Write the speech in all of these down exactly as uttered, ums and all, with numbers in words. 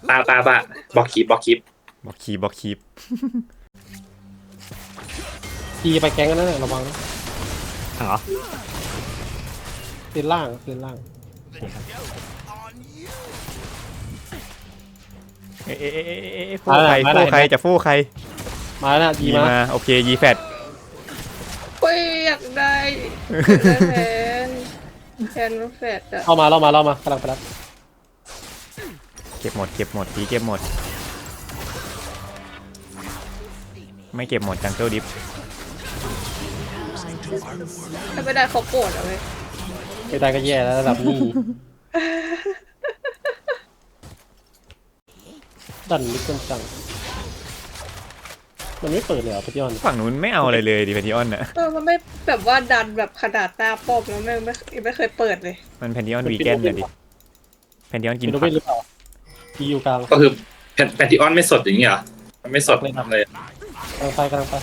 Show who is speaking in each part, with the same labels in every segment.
Speaker 1: ตาตาตาบล็อกคลิปบล็อกคลิป
Speaker 2: บล็อกคีบล็อกคีบ
Speaker 3: ทีไปแก๊งกันนั่นแหละระวังนะ
Speaker 2: เหรอ
Speaker 3: เล่นล่างเล่นล่าง
Speaker 2: เอ๊ะเอ๊ะเอ๊ะเอ๊ะฟูใครฟูใครจะฟูใคร
Speaker 3: มาแล้วยี
Speaker 2: ยี
Speaker 3: มา
Speaker 2: มาโอเคยีแฟด
Speaker 4: เฮ้ยอยากได้แทนแทนแฟดอะ
Speaker 3: เข้ามาเล่ามาเล่ามากำลังไปรับ
Speaker 2: เก็บหมดเก็บหมดทีเก็บหมดไม่เก็บหมดจังเกิลดิฟ
Speaker 4: ถ้าไม่ได้เขาโกรธอะเว้ย
Speaker 3: ไม่ได้ก็แย่แล้วระดับนี้ดันลึกกันจังมันไม่เปิดเลยเหรอพี่ยอน
Speaker 2: ฝั่งนู้นไม่เอาอะไรเลยดิแพนทิออนน่ะ
Speaker 4: เออมันไม่แบบว่าดันแบบขนาดหน้าป้อมแล้วไม่ไม่ไม่เคยเปิดเลย
Speaker 2: มันแพนทิออนวีแกนน่ะดิแพนทิออนกิน
Speaker 3: เป็น
Speaker 2: ผั
Speaker 3: เว้
Speaker 2: ก
Speaker 3: นหรือเปล่าทีอยู่กลาง
Speaker 1: ก็คือแพนติออนไม่สดอย่างนี้เหรอมันไม่สดเลย
Speaker 3: กำลังไปกำลังไป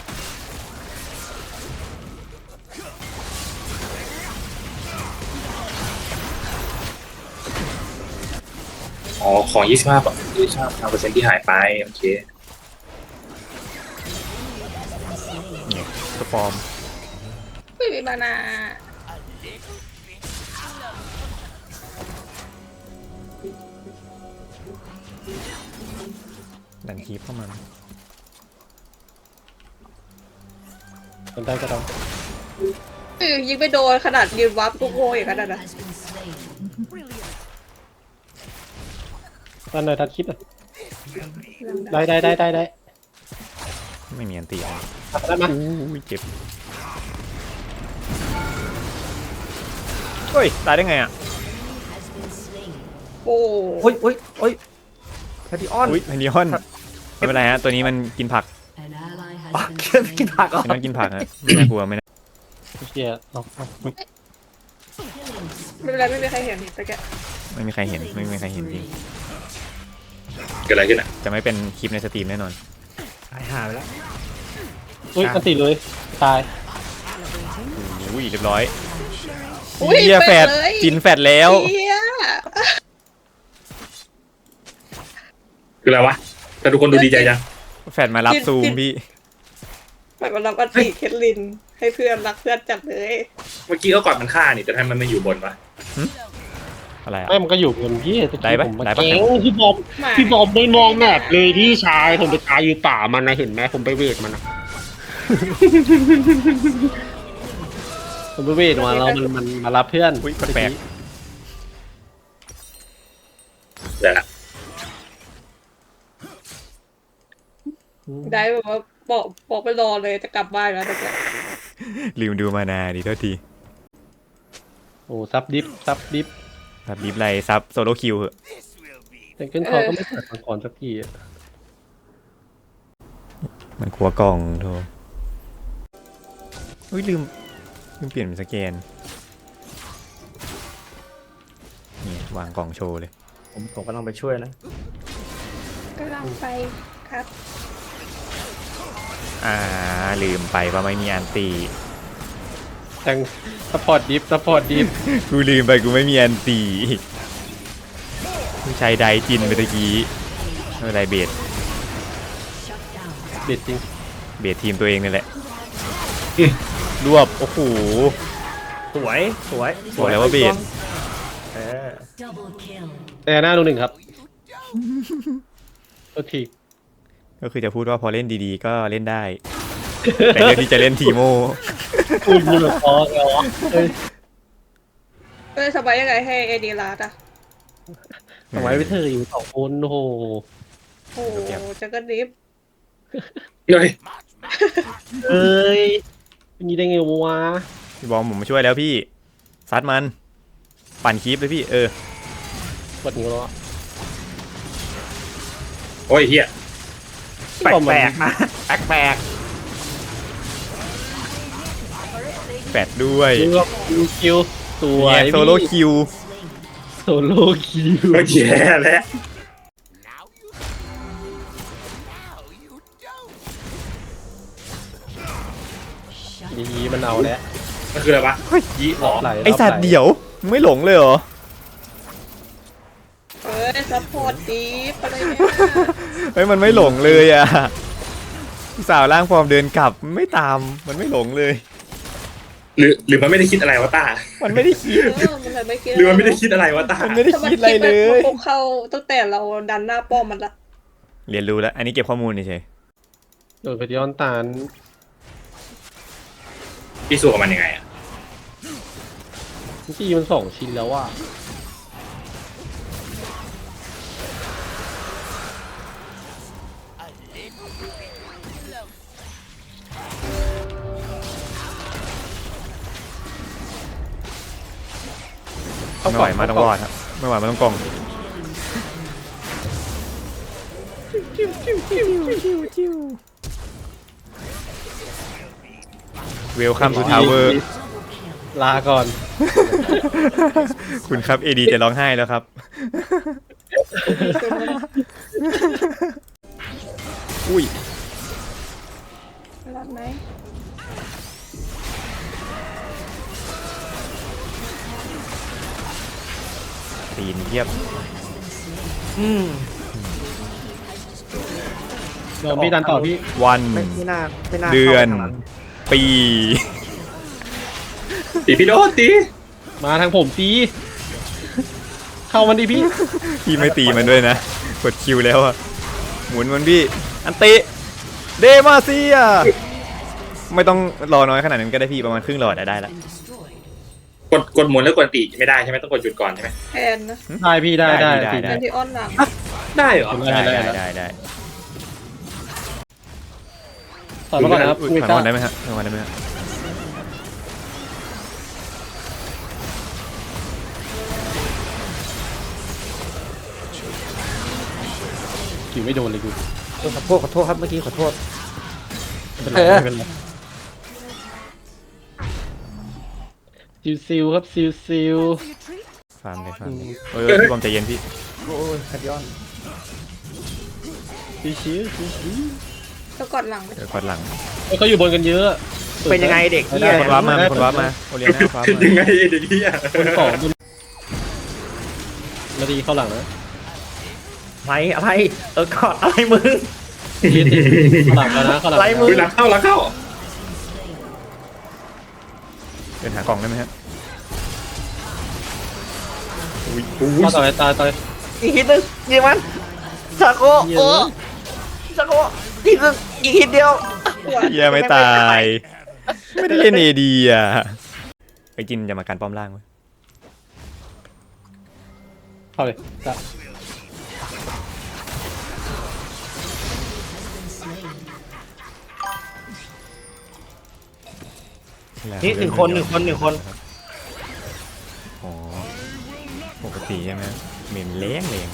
Speaker 1: อ๋อของยี่สิบห้ายี่สิบห้าเปอร์เซ็นต์ที่หายไปโอเค
Speaker 2: เนี่ยสปอร์ม
Speaker 4: ไม่มีมานา
Speaker 2: ดันคีบเข้ามา
Speaker 3: เป็นได้ก็ต้อง
Speaker 4: เออยิงไม่โดนขนาดยืนวับกูโง่อย่างนั้นนะ
Speaker 3: ตอนไหนทัดคลิปอ่ะได้ได้ได้ได้ได้
Speaker 2: ไม่มีอันตีอะไร
Speaker 3: ได้มา
Speaker 2: อู้ยเจ็บเฮ้ยตายได้ไงอ่ะ
Speaker 4: โอ้
Speaker 5: โอ้ยโอ้ยโอ้ยแพทติออน
Speaker 2: อุ้ยแพนทิออนไม่เป็นไรฮะตัวนี้มันกินผัก
Speaker 5: อ๋อเชื่อกินผักเหรอ
Speaker 2: แพนทิออนกินผักฮะไม่น่ากลัวไม่น่า
Speaker 3: เชียร์เอาเอา
Speaker 4: ไม่เป็นไรไม่มีใครเห็นแต่แก
Speaker 2: ไม่มีใครเห็นไม่มีใครเห็นจริง
Speaker 1: เกิดอะไรขึ้นอ่ะ
Speaker 2: จะไม่เป็นคลิปในสตรีมแน่นอน
Speaker 5: หายหายไปแล้ว
Speaker 3: อุ้ยอันติเลยตาย
Speaker 2: อุ้ยเรียบร้อย
Speaker 4: อุ้ย
Speaker 2: เฮียแฟด
Speaker 4: ไปเลย
Speaker 2: จินแฟดแล้ว
Speaker 4: เฮีย
Speaker 1: คืออะไรวะแต่ทุกคนดูดีใจจัง
Speaker 2: แฟดมารับซูมพี่
Speaker 4: แบบเราก็ตีเคทลินให้เพื่อนรักเพื่อนจัดเลย
Speaker 1: เมื่อกี้เขากอดมันฆ่านี่แต่ทำไมมันไม่อยู่บนวะ
Speaker 2: อะไรอ่ะ
Speaker 3: ไม่มันก็อยู่บนพี่
Speaker 2: ได้ปะ
Speaker 3: ผมมา
Speaker 2: ได้ปะ
Speaker 3: เจ๊ง
Speaker 6: พี่บอม
Speaker 4: มา
Speaker 6: พี่บอมไม่มองแมปเลยพี่ชายผมไปตายอยู่ป่ามันนะเห็นไหมผมไปเวทมันนะ
Speaker 3: ผมไปเวทมาแล้วมันมันมารับเพื่อน
Speaker 2: อุ้ยแปลก
Speaker 1: เดี๋ยวละ
Speaker 4: ได้แบบว่าบอกบอกไปรอเลยจะกลับบ้านแล้วแต่แก
Speaker 2: ๆลืมดูมานาดิโทษที
Speaker 3: โอ้ซับดิฟซับดิฟ
Speaker 2: ซับดิฟไรซับโซโลคิวเหอะ
Speaker 3: แต่เกินคอก็ไม่เปิดมาก่อนสักทีอะ
Speaker 2: มันกลัวกล่องโทอุ้ยลืมลืมเปลี่ยนเป็นสแกนนี่วางกล่องโชว์เลย
Speaker 5: ผมผมกำลังไปช่วยนะ
Speaker 4: กำลังไปครับ
Speaker 2: อ่าลืมไปว่าไม่มีอันตี
Speaker 3: แต่งสปอร์ตดิฟสปอร์ตดิฟ
Speaker 2: กูลืมไปกูไม่มีอันตีกูใช้ไดจินไปตะกี้ไม่เป็นไรเบส
Speaker 3: เด็ดจริง
Speaker 2: เบสทีมตัวเองนี่แหละรวบโอ้โห
Speaker 5: สวยสวย
Speaker 2: บอกแล้วว่าเบส
Speaker 5: เออ
Speaker 3: แต่หน้าดูหนึ่งครับโอเค
Speaker 2: ก็คือจะพูดว่าพอเล่นดีๆก็เล่นได้ แต่เรื่องที่จะเล่นทีโม
Speaker 3: พูดอยู่แบบพอแล้วอะเอ้ย
Speaker 4: เออสบายยังไงให้เอดีลาดอ่ะ
Speaker 3: ทำไมไม่เธออยู่สองคนโอ้โห
Speaker 4: โอ้โหจักรดิฟ
Speaker 1: เฮ้ย
Speaker 3: เอ้ยเป็นยี่ได้ไงวะ
Speaker 2: พี่บอมผมมาช่วยแล้วพี่ซัดมันปั่นคลิปเลยพี่เออก
Speaker 3: ดนิ้วแล้วอะ
Speaker 1: โอ้ยเฮีย
Speaker 5: แปลกแปลกนะแปลกแปลก
Speaker 2: แฟดด้วย
Speaker 3: คิวคิวคิวสวย
Speaker 2: เนี่ยโซโลคิว
Speaker 3: โซโล่คิว
Speaker 1: โอเคแล้ว
Speaker 3: ดีมันเอาแล้ว
Speaker 1: มันคืออะไรวะยี่หรอ
Speaker 3: ไหล
Speaker 2: ไอสัตว์เดี่ยวมึงไม่หลงเลยเหรอ
Speaker 4: เออยซัพพอร์ตดีอะไรเนี่ย
Speaker 2: เฮ้ยมันไม่หลงเลยอ่ะสาวร่างฟอร์มเดินกลับไม่ตามมันไม่หลงเลย
Speaker 1: หรือหรือมันไม่ได้คิดอะไรวะตา
Speaker 2: มันไม่ได้คิด
Speaker 4: เออมันเลยไม่คิด
Speaker 1: หรือมันไม่ได้คิดอะไรวะตา
Speaker 2: มันไม่ได้
Speaker 4: ถ้ามัน
Speaker 2: คิดอะไรเลย
Speaker 4: มันคงเข้าตั้งแต่เราดันหน้าป้อมมันละ
Speaker 2: เรียนรู้แล้ว อันนี้เก็บข้อมูลเฉย
Speaker 3: โดนไปย้อนตาน
Speaker 1: พี่สู้กับมันยังไงอ่ะ
Speaker 3: ที่มันสองชิ้นแล้วว่ะ
Speaker 2: ๆไม่ไหวมาต้องรอดครับไม่ไหวมาต้องกล่องเวลคัมทูทาวเวอร์
Speaker 3: ลาก่อน
Speaker 2: คุณครับเอดีจะร้องไห้แล้วครับ อุ้ย
Speaker 4: รอดไหม
Speaker 2: ตีนเยียบ
Speaker 5: อืม
Speaker 3: โดนพี่ดันต่อพี่
Speaker 2: วัน
Speaker 5: ไม่ไม่น่าไม่น่า
Speaker 2: เดือน
Speaker 5: ข้าไปทางนั้น
Speaker 2: ปี
Speaker 1: ตีพี่โดนตี
Speaker 3: มาทางผมตีเข้ามันดิพี่
Speaker 2: พี่ไม่ตีมันด้วยนะ กดคิวแล้วอะหมุนมันพี่ อันติ เดมาเซีย ไม่ต้องรอน้อยขนาดนั้นก็ได้พี่ประมาณครึ่งหลอดอะได้ละ
Speaker 1: กดกดหมุนแล้วกดตีไม่ได้ใช่ไหมต้องกดหยุดก่อนใช่ไหม
Speaker 4: แทนนะ
Speaker 3: ได้พี่ได้ได้
Speaker 2: ได้
Speaker 3: พี่
Speaker 2: ได้
Speaker 4: แทนที่อ้อนหลัง
Speaker 1: ได้เหรอ
Speaker 2: ได้ได้ได้ได้
Speaker 3: ต่อมาก่อนนะครับ
Speaker 2: อุ๊ย
Speaker 3: คุย
Speaker 2: ถอย
Speaker 3: ซ่า
Speaker 2: ก่อนได้ไหมฮะถอยก่อนได้ไหมฮะ
Speaker 3: คิวไม่โดนเลยกู
Speaker 5: ขอโทษขอโทษครับเมื่อกี้ขอโทษ
Speaker 3: ไม่เป็นไร
Speaker 5: เออ
Speaker 3: ไม่เป็นไรซิวซิวครับซิวซิว
Speaker 2: ฟาร์มเลยฟาร์มเลยเออพี่บอมใจเย็นพี่
Speaker 5: โอ้ยขัดย้อน
Speaker 3: ซิวซิวซิวซิว
Speaker 4: แล้วกอดหลังไหม
Speaker 2: เดี๋ยวกดหลัง
Speaker 3: เฮ้ยเขาอยู่บนกันเยอะ
Speaker 5: เป็นยังไงเด็ก
Speaker 3: ไม่
Speaker 5: เหี
Speaker 3: ได้
Speaker 5: ย
Speaker 2: คนวาร์ปมาคนวาร์ปมาโอเลียน่าฟาร์ม
Speaker 1: คือ
Speaker 2: มา
Speaker 1: ยังไงเด็กที่อ่ะ
Speaker 3: บนสองบนนาทีเข้าหลังนะ
Speaker 5: อะไรอะไรเออกอดอะไรมึง
Speaker 3: ทีทีเข้าหลังแล้วนะเข้าหลัง
Speaker 5: ไล่มื
Speaker 1: คือหลังเข้าหลังเข้า
Speaker 2: เดินหากล่องได้ไหมฮะ
Speaker 1: อุ้ยอุ้ย
Speaker 3: เข้าต่อไปตายต่อย
Speaker 5: อีกทีนึงยิงมันชาโกโอ้ชาโกอีกนึงอีกทีเดียว
Speaker 2: เฮียไม่ตาย ไม่ได้เล่นเอดีอ่ะไปจินจะมาการป้อมล่างไว้
Speaker 3: เข้าเลยจ้ะ
Speaker 5: นี่หนึ่งคนหนึ่งคนหนึ่งคน
Speaker 2: อ๋อปกติใช่ไหมเหม็นเล้งเลง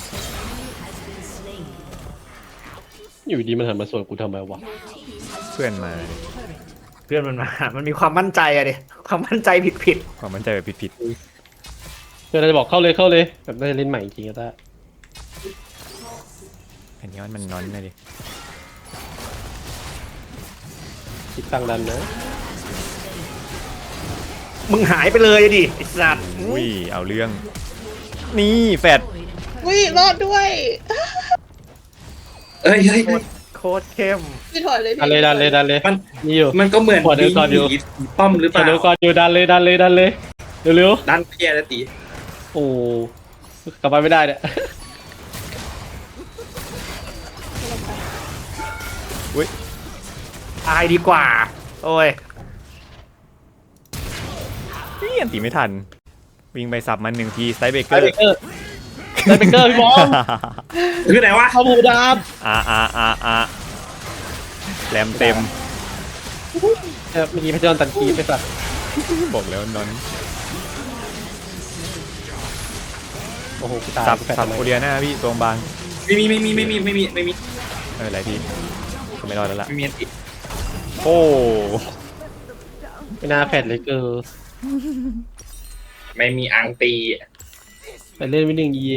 Speaker 3: อยู่ดีมันหันมาสวนกูทำไมวะ
Speaker 2: เพื่อนมา
Speaker 5: เพื่อนมันมา มันมีความมั่นใจอะดิความมั่นใจผิดผิด
Speaker 2: ความมั่นใจแบบผิด
Speaker 3: เพื่อนเราจะบอกเข้าเลยเข้าเลยแบบน่าจะเล่นใหม่จริงๆก็ได้
Speaker 2: ๆอันนี้มันนอนเลยดิ
Speaker 3: คิดตั้งดันนะ
Speaker 5: มึงหายไปเลยอะดิไอ้สัตว์
Speaker 2: อุ้ยเอาเรื่อง นี่แฟด
Speaker 4: อุ้ยรอดด้วย
Speaker 1: เอ้ยเฮ้ยเฮ้ย
Speaker 5: โคตรเข้ม
Speaker 4: พี่ถอยเลยพี่
Speaker 3: ดันเลยดันเลยดันเลย
Speaker 1: มัน
Speaker 3: นี่อยู่
Speaker 1: มันก็เหมือน
Speaker 3: ขอเดินก่อนอยู่
Speaker 1: ผีป้อมหรือเป
Speaker 3: ก่อน
Speaker 1: ล่า
Speaker 3: เร็วก่อนอยู่ดันเลยดันเลยดันเลยเร็ว
Speaker 1: ดันแย่แล้วตี
Speaker 3: ๆโอ้กลับไปไม่ได้เนี่ย
Speaker 5: ตายดีกว่า โอ้ย
Speaker 2: นี่อันตีไม่ทัน วิ่งไปสับมันหนึ่งทีสไตเบเก
Speaker 3: ได
Speaker 2: อร์
Speaker 3: เบเกอร์ไดเบเกอร์พี่บอม
Speaker 1: คือไหนวะ
Speaker 3: เข้าบูดาม
Speaker 2: อาอาอาอาแรมเต็ม
Speaker 3: เออเมื่อกี้พระเจ้าตันคีไปสัตว์
Speaker 2: บอกแล้วนอน
Speaker 3: โอ้โหกูตาย
Speaker 2: สับ
Speaker 3: กูแฟด
Speaker 2: สับ
Speaker 3: ทำไม
Speaker 2: โอเลียน่าพี่ตรงบาง
Speaker 1: ไม่มีไม่มีไม่มีไม่มีไม่มี
Speaker 2: เอออะไรพี่ก็ไม่รอดแล้วล่ะ
Speaker 1: ไม่มีอันติ
Speaker 2: โอ้
Speaker 3: ไม่น่าแฟดเลยเกอร์
Speaker 1: ไม่มีอังตี
Speaker 3: ไปเล่นวินหนึ่งเย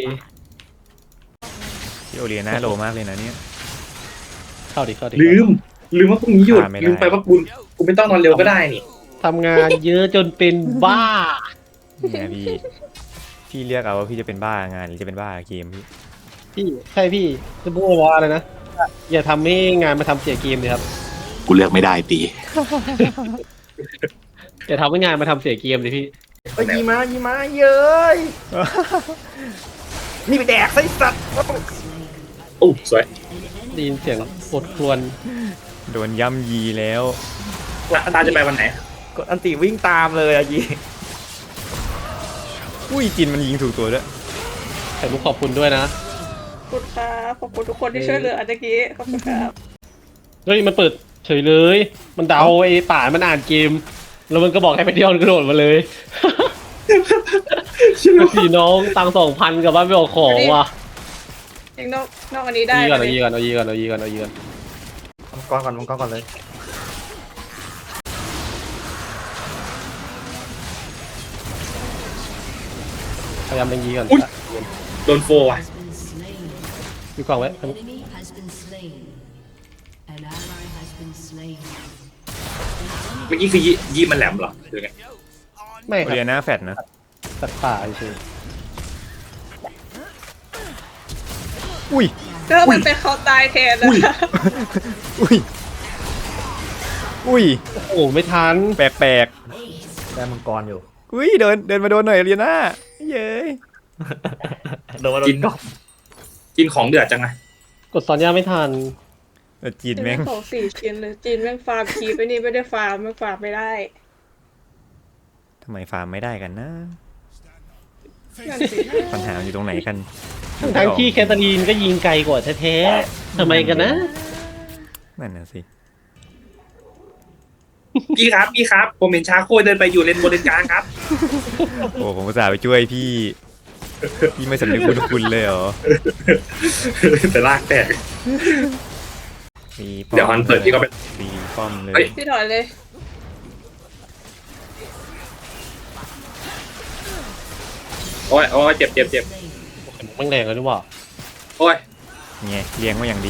Speaker 2: พี่โอเลียน่าโลมากเลยนะเนี่ย
Speaker 3: เข้าดิเข้าดิ
Speaker 1: ลืม ลืมว่าพรุ่งนี้หยุด
Speaker 2: อ่าไม่ได้
Speaker 1: ลืมไปว่าคุณคุณไม่ต้องนอนเร็วก็ได้นี่
Speaker 3: ทำงานเยอะจนเป็นบ้า
Speaker 2: นี่ไงพี่ พี่เรียกเอาว่าพี่จะเป็นบ้างานหรือจะเป็นบ้าเกมพี่
Speaker 3: พี่ใช่พี่จะพูดว่าอะไรนะอย่าทำให้งานมาทำเสียเกมเลยครับ
Speaker 7: กูเลือกไม่ได้ตี
Speaker 3: อย่าทำให้งานมาทำเสียเกมเลยพี่
Speaker 5: เอ้ยยีมายีมาเย้ยนี่ไปแดกไส้สัตว์
Speaker 1: โอ้สวย
Speaker 3: ได้ยินเสียงปวดครวญ
Speaker 2: โดนย่ำยีแล้ว
Speaker 1: แล้วตาจะไปวันไหน
Speaker 5: กดอันติวิ่งตามเลยอะยี
Speaker 2: อุ้ยจินมันยิงถูกตัวด้วย
Speaker 3: ไข่มุกขอบคุณด้วยนะ
Speaker 4: ขอบคุณครับขอบคุณทุกคนที่ช่วยเหลืออันตะกี้ขอบคุณครับ
Speaker 3: เฮ้ยมันเปิดเฉยเลย มันเดาไอ้ป่ามันอ่านเกม แล้วมันก็บอกให้ไปเที่ยวกระโดดมาเลยพี่น้องตังสองพันกับบ้านไปออกของว่ะ
Speaker 4: ยิงนอกนอกอันนี้ได้
Speaker 3: ยีก่อน
Speaker 4: ไหม
Speaker 3: เอายีก่อนเอายีก่อนเอายีก่อนเอายีก่อน
Speaker 5: มังกรก่อนมังกรก่อนเลย
Speaker 3: พยายามเป็นยีก่อน
Speaker 1: อุ๊ย โดนโฟว่ะ
Speaker 3: มีกล่องไว้
Speaker 8: enemy has been slain. An ally has been slain.
Speaker 1: เมื่อกี้คือยี่ยี่มันแหลมเหรอหรือไง
Speaker 3: ไม่ค
Speaker 2: เรีย
Speaker 3: รับ
Speaker 2: นหน้าแฟดนะ
Speaker 3: สัตว์ป่าเฉย
Speaker 2: อุ้ย
Speaker 4: เออมันเป็นเขาตายแทนนะ
Speaker 2: อุ้ย อุ้ย
Speaker 3: โอ้ไม่ทัน
Speaker 2: แปลกแปลก
Speaker 5: ได้มังกรอยู่
Speaker 2: ๆอุ้ยเดินเดินมาโดนหน่อยเรียนหน้าเย้ย
Speaker 5: โดนมาโด
Speaker 1: กิ
Speaker 5: น
Speaker 1: น
Speaker 5: กอบ
Speaker 1: กินของเดือดจังไง
Speaker 3: กดซอนย่าไม่ทัน
Speaker 2: แต่จีน
Speaker 4: จีน
Speaker 2: แม่
Speaker 4: แม่
Speaker 2: ง
Speaker 4: งของสี่ชิ้นเลยจีนแม่งฟาร์มคีไปนี่ไม่ได้ฟาร์มแม่งฟาร์มไม่ได้
Speaker 2: ทำไมฟาร์มไม่ได้กันนะ
Speaker 4: นั่นสิ
Speaker 2: ปัญหาอยู่ตรงไหนกัน
Speaker 3: ทั้งทั้งที่แคทเธอรีนก็ยิงไกลกว่าแท้ๆทำไมกันนะ
Speaker 2: นั่นน่ะสิ
Speaker 1: พี่ครับพี่ครับ ผมเห็นชาโคเดินไปอยู่เลนบนเลนกลางครับ
Speaker 2: โอ้ผมอุตส่าห์ไปช่วยพี่ พี่ไม่สำนึกบุญคุณเลยเหรอ
Speaker 1: แต่ลากแตก
Speaker 2: มีป้อม
Speaker 1: เดี๋ยวฮันเปิดพี่ก็ไป
Speaker 2: มีป้อมเลย
Speaker 1: เฮ้ย
Speaker 4: พี่ถอยเลย
Speaker 1: โอ้ยโอ้ยเจ็บเจ็บเจ็บ
Speaker 3: แม่งแรงเลยนี่หว่า
Speaker 1: โอ้ย
Speaker 2: ไงเลี้ยงมาอย่างดี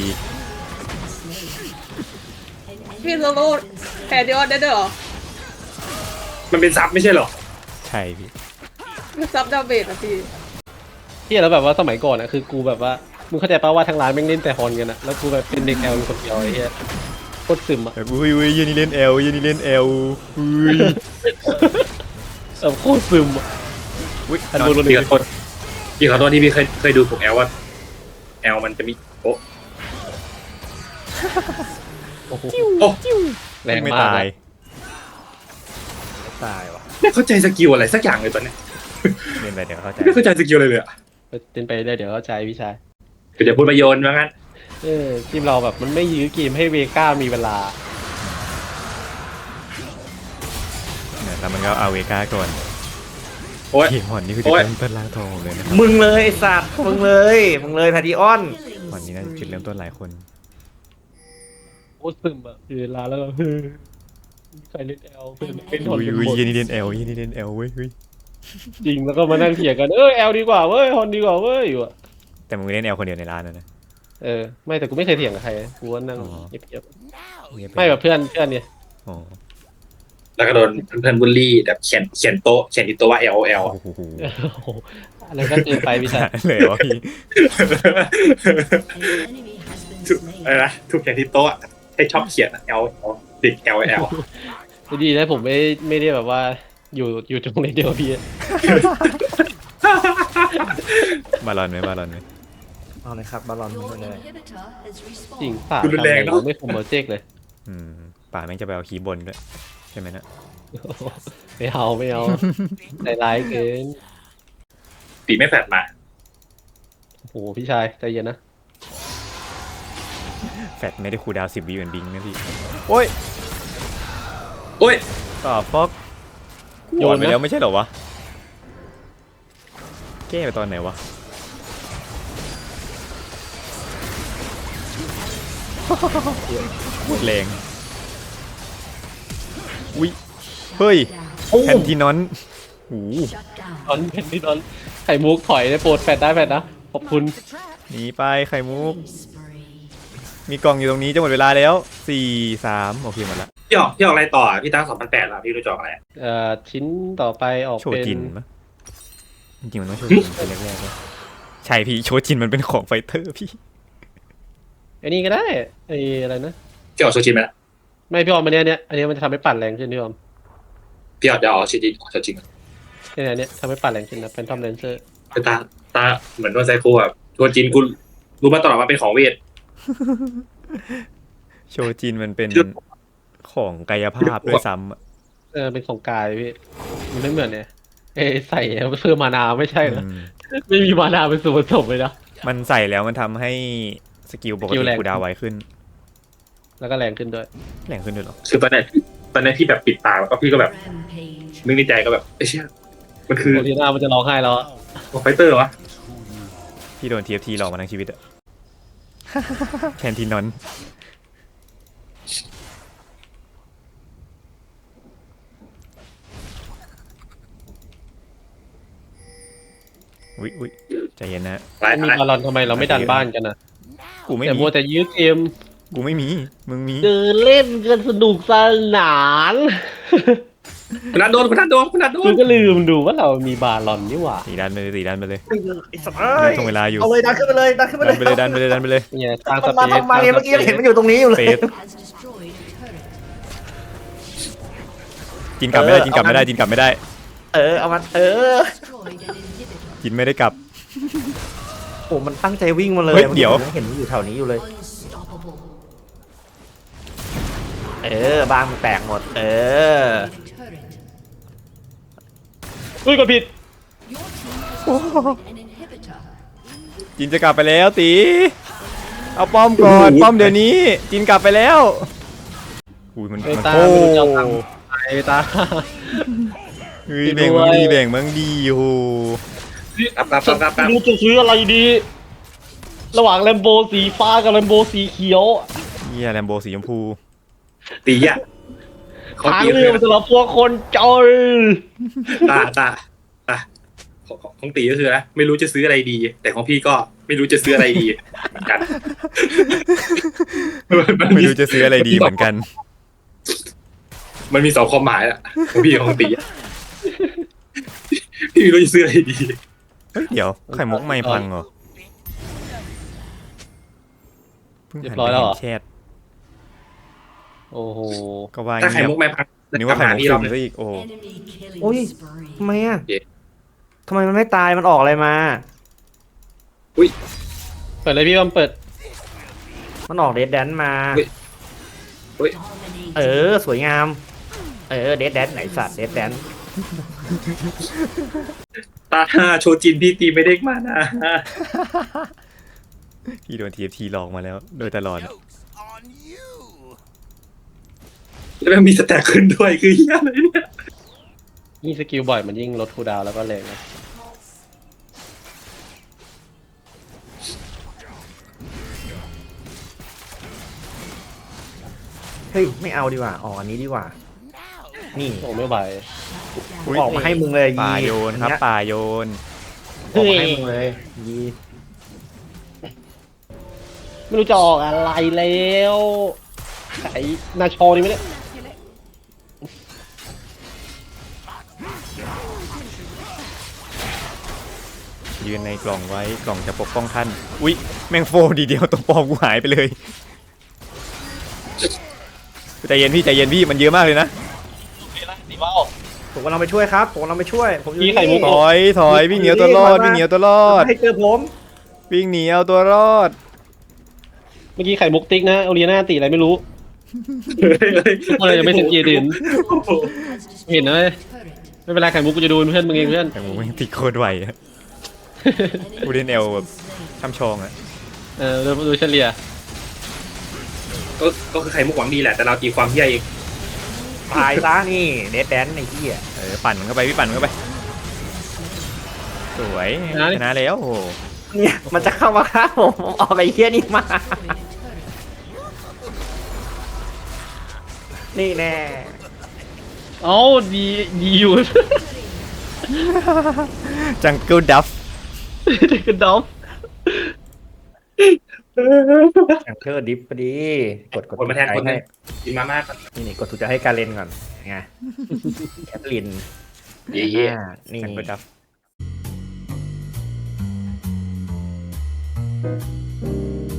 Speaker 4: พี่โซโล่แพรดิออนได้ด้วยเหรอ
Speaker 1: มันเป็นซับไม่ใช่เหรอ
Speaker 2: ใช่พี่
Speaker 4: มันซับดาเมจอะพี่
Speaker 3: ที่แล้วแบบว่าสมัยก่อนอะคือกูแบบว่ามึงเข้าใจป่าวว่าทางร้านแม่งเล่นแต่ฮอนกันอะแล้วกูแบบเป็นเด็กแอลอยู่คนเดียวไอ้เหี้ยโคตรซึมอะ
Speaker 2: แบบอุ้ยอุ้ยเยันนี่เล่นเอลเยันนี่เล่นเอลอุ้ย
Speaker 3: เออโคตรซึมอะ
Speaker 2: อุ้ย
Speaker 3: อัน
Speaker 2: นอน
Speaker 3: บนบน
Speaker 1: พี่ขอโทษพี่ขอโทษที่พี่เคยเคยดูถูกแอลว่าแอลมันจะมีโอ้
Speaker 3: โอ้โห
Speaker 1: โอ้
Speaker 3: แรง
Speaker 2: ไม่
Speaker 3: มาก
Speaker 2: ตาย
Speaker 3: อะ
Speaker 5: ตายว่ะ
Speaker 1: ไม่เข้าใจสกิลอะไรสักอย่างเลยตอนเนี้ย
Speaker 2: เล่นไปเดี๋ยวเข้าใจ
Speaker 1: ไม่เข้าใจสกิลอะไรเลยอะ
Speaker 3: เป็นไปได้เดี๋ยวเข้าใจพี่ชาย
Speaker 1: ก็จะพูดประโยชน์ว่างั้น
Speaker 3: เออทีมเราแบบมันไม่ยื้อเกมให้เวก้ามีเวลา
Speaker 2: เนี่ยแล้วมันก็เอาเวก้าก่อน
Speaker 1: โอ้ย
Speaker 2: เกมหอนนี่คือจุดเริ่มต้นล้างทองเลยนะครับ
Speaker 5: มึงเลยไอ้สัตว์มึงเลยมึงเลยทาดิออน
Speaker 2: หอนนี้น่าจะจุดเริ่มต้นหลายคน
Speaker 3: โคตรซึมอะคือเวลาแล้วก็เฮ้ยใครเล่นแอลเพื่อนเป็นฮอน
Speaker 2: อุ้ย
Speaker 3: เป็น
Speaker 2: อุ้ย
Speaker 3: หมด
Speaker 2: เยันนี่เล่นเอลเยันนี่เล่นเอลเว้ยเฮ้ย
Speaker 3: จริงแล้วก็มานั่งเถียงกันเออแอลดีกว่าเว้ยฮอนดีกว่าเว้ยอยู่อะ
Speaker 2: แต่มึงเล่นเอลคนเดียวในร้านนะนะ
Speaker 3: เออไม่แต่กูไม่เคยเถียงกับใครกูว่านั่ง
Speaker 2: อ๋อ
Speaker 3: เงียบ
Speaker 2: เงียบ
Speaker 3: ๆ
Speaker 2: ป
Speaker 3: ไม่แบบเพื่อนเพื่อนเนี่ย
Speaker 2: อ๋อ
Speaker 1: แล้วก็โดนเพื่อนๆบูลลี่แบบเขียนเขียนโต๊ะเขียนอีกตัวว่า L O L
Speaker 2: โอ้โห
Speaker 3: โอ้โหอะไรก็เกินไปพี่ชาย
Speaker 2: เลยวะพี่
Speaker 8: An enemy has been
Speaker 1: ทุก
Speaker 8: slain.
Speaker 1: อะไรนะทุกอย่างที่โต๊ะอะให้ชอบเขียนอะ L L เด็ก L L
Speaker 3: ดีนะผมไม่ไม่ได้แบบว่าอยู่อยู่ตรงนี้เดียวกับพี่
Speaker 2: บาลอนไหมบาลอนไหม
Speaker 5: เอาเลยครับบอลลอนมึง
Speaker 8: Your
Speaker 5: เลย
Speaker 8: inhibitor has
Speaker 3: จริง
Speaker 8: respawned.
Speaker 3: ป่า
Speaker 1: ดูรุนแรงเนอะ
Speaker 3: ทำไมไม่คุมโปรเจกต์เลย
Speaker 2: อืมป่าแม่งจะไปเอาคีย์บนด้วยใช่ไหมนะ
Speaker 3: ไม่เอาไม่เอาใจร้ายเกิน
Speaker 1: ปีไม่แผดมา
Speaker 3: โอ้โหพี่ชายใจเย็นนะ
Speaker 2: แฟดไม่ได้คูลดาวน์สิบวิเหมือนบิงนะพี่โอ้ย
Speaker 1: โอ้ย
Speaker 2: ต่อฟอกโยนไปแล้วไม่ใช่เหรอวะแก้ไปตอนไหนวะพูดแรงอุ้ยเฮ้ยแพนทีนอนหู
Speaker 8: Shut down.
Speaker 3: ตอนเป็นที่ตอนไข่มุกถอยได้โปรดแฟดได้แฟดนะขอบคุณ
Speaker 2: หนีไปไข่มุก
Speaker 8: Spree.
Speaker 2: มีกล่องอยู่ตรงนี้จะหมดเวลาแล้วสี่สามโอเคหมดละ
Speaker 1: พี่ออกพี่ออกอะไรต่ออะพี่ตั้งสองพันแปดแล้วพี่รู้จะออกอะไรอะ
Speaker 3: เอ่อชิ้นต่อไปออก
Speaker 2: โช
Speaker 3: เป็น
Speaker 2: จินปะจริงๆมันต้องโชจินเป็นแรกๆเลยใช่พี่โชจินมันเป็นของไฟเตอร์พี่
Speaker 3: ไอ้นี่ก็ได้ไอ้อะไรนะ
Speaker 1: พี่เอาโซจินไหมล่ะ
Speaker 3: ไม่พี่ออมอันเนี้ยเนี้ยอันเนี้ยมันจะทำให้ปั่นแรงขึ้นพี่ออม
Speaker 1: พี่เอาจะเอาโซจินโซจิน
Speaker 3: เนี่ยเนี้ยทำให้ปั่นแรงขึ้นนะเป็นทอมเลนเซอร์
Speaker 1: แต่ตาตาเหมือนโดนไซโคอ่ะโซจินกูรู้มาตลอดว่าเป็นของเวท
Speaker 2: โชจินมันเป็นของกายภาพด้วยซ้ำอะ
Speaker 3: เออเป็นของกายพี่มันไม่เหมือนเนี่ยเอยใส่เพื่อมานาไม่ใช่เหรอ
Speaker 2: อืม
Speaker 3: ไม่มีมานาเป็นส่วนผสมเลยนะ
Speaker 2: มันใส่แล้วมันทำให้สกิลปก
Speaker 3: สกิ
Speaker 2: ติ
Speaker 3: ลแรง
Speaker 2: กูดาวไวขึ้น
Speaker 3: แล้วก็แรงขึ้นด้วย
Speaker 2: แรงขึ้นด้วยเหรอ
Speaker 1: คือตอนนี้ตอนนี้พี่แบบปิดตาแล้วก็พี่ก็แบบ
Speaker 8: Rampage.
Speaker 1: นึกในใจก็แบบไอ้เชี่ยมันคือ
Speaker 3: โอทีน่ามันจะร้องไห้แล้วอะ
Speaker 1: ไฟเตอร์วะ
Speaker 2: พี่โดน ที เอฟ ที หลอกมาทั้งชีวิตอะ แคนทีนอนอุ๊ยอุ๊ยใจเย็นนะ
Speaker 1: หลาย
Speaker 3: มี
Speaker 1: หลาย
Speaker 3: บอลลอนทำไมเราไม่ดันบ้านกันนะ
Speaker 2: กูไม่
Speaker 3: แต่
Speaker 2: มี
Speaker 3: มัวแต่ยื้อเกม
Speaker 2: กูไม่มี มึงมี
Speaker 3: เดินเล่นกันสนุกสนาน
Speaker 1: คุณนัทโดนคุณนัทโดนคุณนัทโด
Speaker 3: กู
Speaker 1: น
Speaker 3: ก็ลืมดูว่าเรามีบาลอนนี่หว่า
Speaker 2: สีดันไปเลยสีดันไปเลย
Speaker 5: ไอ้สัตว์เอ้ย
Speaker 2: ตรงเวลาอยู่
Speaker 5: เอาเลยดันขึ้นไปเลยดันขึ้นไป
Speaker 2: ดั
Speaker 5: เลย
Speaker 2: นไปเลยดันไปเลยดันไปเลย
Speaker 3: เนี่ยสร้างส
Speaker 5: มัน
Speaker 3: เป
Speaker 5: มา
Speaker 3: ซ
Speaker 5: ทำไมเมื่อกี้ยังเห็นมันอยู่ตรงนี้อยู่เลย
Speaker 2: เฟส
Speaker 8: Has destroyed a turret.
Speaker 2: จินกลับไม่ได้จินกลับไม่ได้จินกลับไม่ได้
Speaker 5: เออเอามันเออ
Speaker 8: Destroyed an inhibitor.
Speaker 2: จินไม่ได้กลับ
Speaker 5: โอ้มันตั้งใจวิ่งมาเลย
Speaker 2: เฮ้ยเดี๋ยว
Speaker 5: มันเห็นมันอยู่แถวนี้อยู่เลย
Speaker 8: Unstoppable.
Speaker 5: เออบ้านมันแตกหมด เออ
Speaker 8: A turret.
Speaker 3: อุ้ยกดผิด
Speaker 8: Your team has destroyed an inhibitor.
Speaker 2: จินจะกลับไปแล้วตี เอาป้อมก่อน ป้อมเดี๋ยวนี้ จินกลับไปแล้ว อุ้ยมัน
Speaker 3: ไอ้
Speaker 2: มัน
Speaker 3: ตา
Speaker 2: โอ้
Speaker 3: ไม่รู้จะเอาตังค์ไอ้ตา
Speaker 2: เฮ้ยแบ่งมึงดีแบ่งมึงดีโอ้โห
Speaker 1: กลับกลับกลับกลับกลับ
Speaker 3: ไม่รู้จะซื้ออะไรดี ระหว่างแลมโบสีฟ้ากับแลมโบสีเขียว
Speaker 2: เฮียแลมโบสีชมพู
Speaker 1: ตีอ่ะเขา
Speaker 3: ทาง
Speaker 1: ตี
Speaker 3: เลือกสำหรับพวกคนจน
Speaker 1: ตาตาตาของของตีก็คือนะไม่รู้จะซื้ออะไรดี แต่ของพี่ก็ไม่รู้จะซื้ออะไรดีเหมือนกันมัน
Speaker 2: ไม่
Speaker 1: มี
Speaker 2: รู้จะซื้ออะไรดีเหมือนกัน
Speaker 1: มันมีสองความหมายอะของพี่กับของตีอะพี่ไม่รู้จะซื้ออะไรดี
Speaker 2: เฮ้ยเดี๋ยวไข่มุกไม่พังเหรอเพิ่งหันไปเห็นแชท
Speaker 3: โอ้โห
Speaker 2: ก็ว่า
Speaker 1: ถ้าไข่
Speaker 2: เงียบ
Speaker 1: มุกไม่พัง
Speaker 2: นึกว่าไข่มุก
Speaker 1: พี่
Speaker 2: ซึ
Speaker 1: เรา
Speaker 2: มซะอีกโอ้
Speaker 8: Enemy killing
Speaker 5: โอ้ย
Speaker 8: spree.
Speaker 5: ทำไมอ่ะทำไมมันไม่ตายมันออกอะไรมา
Speaker 3: เปิดเลยพี่บอมเปิด
Speaker 5: มันออกเดดแดนมา
Speaker 8: Dominate.
Speaker 5: เออ สวยงาม เออเดดแดนไหนสัตว์เดดแดน
Speaker 1: ตาห้าโชจินพี่ตีไม่ได้มานะ
Speaker 2: พี่โดน ที เอฟ ที หลอกมาแล้ว โดยตลอด
Speaker 1: แล้วมันมีสแต็กขึ้นด้วยคือเฮียอะไรเนี่ย
Speaker 3: ยิ่งสกิลบ่อยมันยิ่งลดคูลดาวน์แล้วก็แรงนะ
Speaker 5: เฮ้ยไม่เอาดีกว่าออกอันนี้ดีกว่า นี่
Speaker 3: โอ้ไม่ไหว
Speaker 2: อุ๊ย
Speaker 5: ออกมาให้มึงเลยยี
Speaker 2: ป่าโยนครับ
Speaker 5: อัเย
Speaker 2: ป่าโยน
Speaker 5: ออกมาให้มึงเลยยี
Speaker 3: ไม่รู้จะออกอะไรแล้วไอ้นาชอนี่ไม่ได้
Speaker 2: ยืนในกล่องไว้กล่องจะปกป้องท่าน อุ๊ย แมงโฟดีเดียวตัวปลอมกูหายไปเลยใจเย็นพี่ใจเย็นพี่มันเยอะมากเลยนะ
Speaker 5: ผมกำลังไปช่วยครับผมกำลังไปช่วย ผมอยู่
Speaker 3: พี่ไข่มุก
Speaker 2: ถอยถอยวิ่งเหนียวตัวรอดวิ่งเหนียวตัวรอด
Speaker 5: ให้เจอผม
Speaker 2: วิ่งหนีเอาตัวรอด
Speaker 3: เมื่อกี้ไข่มุกติ๊กนะโอเลียนาตีอะไรไม่รู้ ทุกคนเลยยังไม่เซ็นเกียร์ดิน เห็นนะเว้ย
Speaker 8: Turret.
Speaker 3: ไม่เป็นไรไข่มุกกูจะดูเป็นเพื่อนมึงเองเพื่อน
Speaker 2: แต่มึงไม่งติดโคตรไหวอะกูเล่นเอลแบบช่ำชองอะ
Speaker 3: เออดูดูเฉลี่ย
Speaker 1: ก็ก็คือไข่มุกหวังดีแหละแต่เราตีความเฮียเอง
Speaker 5: ตายซะนี่เดดแดนไอ้ที่อ่ะ
Speaker 2: เออปั่นมันเข้าไปพี่ปั่นมันเข้าไปสวยชนะแล้วโอ้โห
Speaker 5: เนี่ยมันจะเข้ามาฆ่าผมผมออกไอ้เหี้ยนี่มา นี่แน่
Speaker 3: เอ้าดีดีอยู่
Speaker 2: จังเกิลดัฟ
Speaker 3: เด็กกระดอฟ
Speaker 5: แองเกอร์ดิฟพอดี กดกด
Speaker 1: คนมาแทนคนนึ
Speaker 5: ให้
Speaker 1: งกินมาม่าก่อน
Speaker 5: นี่นี่กดถูกใจให้การเล่นก่อนไงแคทลิน
Speaker 1: เย่
Speaker 5: อ่านี่
Speaker 2: จังเกิลดัฟ Bye.